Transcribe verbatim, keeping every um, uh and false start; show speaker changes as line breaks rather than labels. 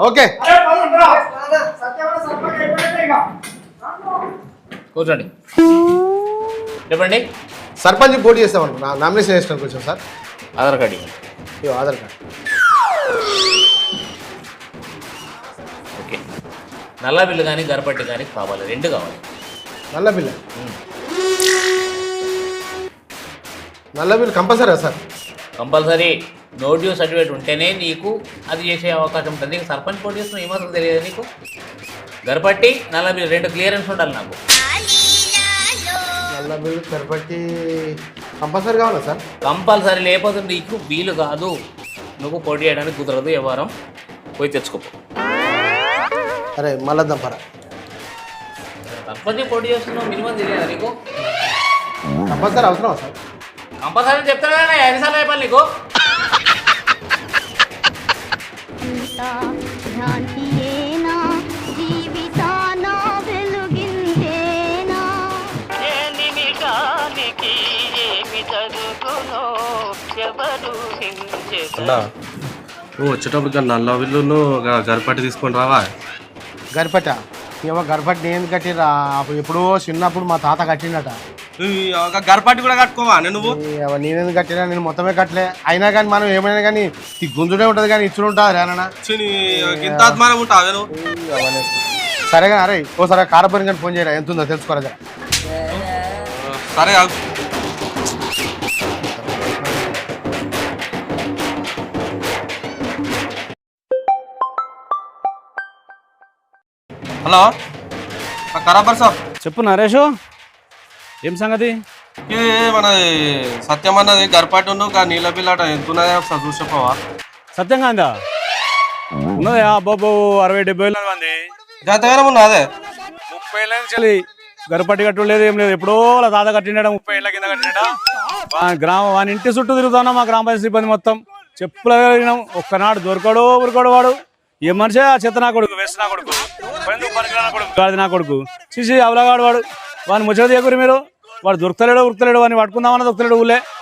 Okay
కూర్చోండి. చెప్పండి.
సర్పంచ్ పోటీ చేస్తామండి, నా నామినేషన్ వేసినాను కొంచెం సార్.
ఆధార్ కార్డు ఇవ్వండి.
ఇవ్వ ఆధార్ కార్డు.
ఓకే. నల్ల బిల్లు కానీ గరపట్టి కానీ కావాలి, రెండు కావాలి.
నల్ల బిల్లు నల్ల bill compulsory sir?
Compulsory. No due certificate ఉంటేనే నీకు అది చేసే అవకాశం ఉంటుంది. నీకు సర్పంచ్ పోటీ చేస్తున్న ఏమాత్రం తెలియదు నీకు. గరపట్టి నల్ల బిల్లు రెండు క్లియరెన్స్ ఉండాలి నాకు.
నల్ల బిల్లు గరపట్టి కంపల్సరీ కావాలా సార్?
కంపల్సరీ, లేకపోతే నీకు వీలు కాదు. నువ్వు పోటీ చేయడానికి కుదరదు. ఏ వారం పోయి తెచ్చుకో.
అరే మళ్ళా దంపరా,
సర్పంచ్ పోటీ చేస్తున్నావు, మినిమం తెలియదా నీకు?
కంపల్సరీ అవసరమా సార్?
కంపల్సరీ చెప్తాను కదా, ఎన్నిసార్లు అయిపోయి నీకు.
అన్నా నువ్వు వచ్చేటప్పుడు నల్ల బిల్లు గరిపట్టి తీసుకొని రావా?
గరిపట్ట ఏమో గరిపట్టి నేను కట్టిరా, ఎప్పుడో చిన్నప్పుడు మా తాత కట్టిండట.
గరిపట్టి కూడా కట్టుకోవా నువ్వు?
నేనేందుకు కట్టినా, నేను మొత్తమే కట్టలే. అయినా కానీ మనం ఏమైనా కానీ ఈ గుంజుడే ఉంటుంది కానీ ఇచ్చుడు ఉంటుంది రేనా. సరే కానీ అరే ఓసారి కారపూరి కానీ ఫోన్ చేయరా, ఎంత ఉందో తెలుసుకోరా జర.
సరే. హలో ఖరాబర్ సార్.
చెప్పు నరేష్, ఏం సంగతి?
ఏ మన సత్యం అన్నది గరిపాటి ఉన్న నీళ్ళ బిల్లట ఎంతున్నాయా సార్ చూసి చెప్పవా?
సత్యంగా అందా ఉన్నదా? బాబు అరవై డెబ్బై వేల మంది
జాతగానే ఉన్నా. అదే
ముప్పై ఏళ్ళ నుంచి గరిపట్టి కట్టు లేదు, ఏం లేదు. ఎప్పుడో వాళ్ళ తాత కట్టినాడ, ముప్పై ఏళ్ళ కింద కట్టినాడ. గ్రామం వాని ఇంటి చుట్టూ తిరుగుతున్నా మా గ్రామ పంచాయతీ సిబ్బంది మొత్తం. చెప్పులు వెళ్ళినాం, ఒక్కనాడు దొరకడు ఉరకడు వాడు. ఏ మనిషి ఆ చెత్త నా కొడుకు, వేస్ట్ నా కొడుకు, కొడుకు గాడి నా కొడుకు, చూసి అవలగాడు వాడు. వాడిని ముచ్చట చేయకూరి మీరు. వాడు దొరుకుతలేడు ఉరుకుతలేడు, వాడిని పట్టుకుందామన్నా దొరుకుతలేడు ఊళ్ళే.